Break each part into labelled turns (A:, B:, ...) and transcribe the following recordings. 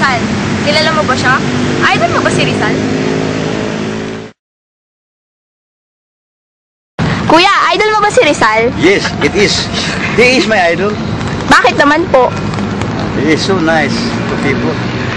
A: Rizal. Kilala mo ba siya? Idol mo ba si Rizal? Kuya, idol mo ba si Rizal?
B: Yes, it is. He is my idol.
A: Bakit naman po?
B: He is so nice to people.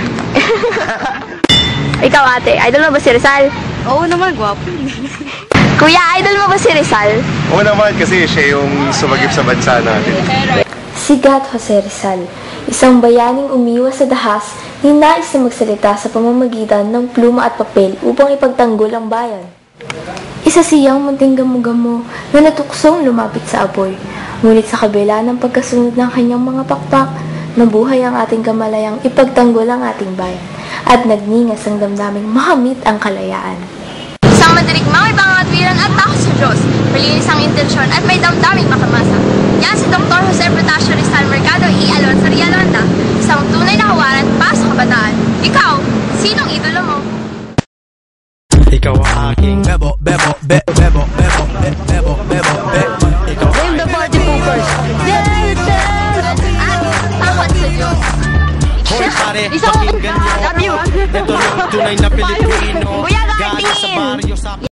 A: Ikaw ate, idol mo ba si Rizal?
C: Oo naman, gwapo.
A: Kuya, idol mo ba si Rizal?
D: Oo naman kasi siya yung sumagip sa bansa natin.
E: Si Gat Jose Rizal, isang bayaning umiwas sa dahas, ninais na magsalita sa pamamagitan ng pluma at papel upang ipagtanggol ang bayan. Isa siyang munting gamo-gamo na natuksong lumapit sa apoy. Ngunit sa kabila ng pagkasunod ng kanyang mga pakpak, nabuhay ang ating kamalayang ipagtanggol ang ating bayan at nagningas ang damdaming makamit ang kalayaan.
A: Isang madirigmang may pangangatwiran at takot sa Diyos, malinis ang intensyon at may damdaming makamasa. Yan si Dr. Jose Protasio Rizal Mercado E. Alonso Rialonda, isang tunay na kawaran para sa kabataan. Ikaw, sinong idolo mo?
F: Ikaw ang aking bebo, bebo, bebo, bebo, bebo, bebo, bebo, bebo. Ikaw ang
C: The Party Poopers.
A: At takot sa Diyos.
F: Hoy pare, pakinggan nyo.
C: Love you.
F: Ito ang tunay na Pilipino.
A: Kuya,
F: Galing sa
A: Martin!
F: baryo sa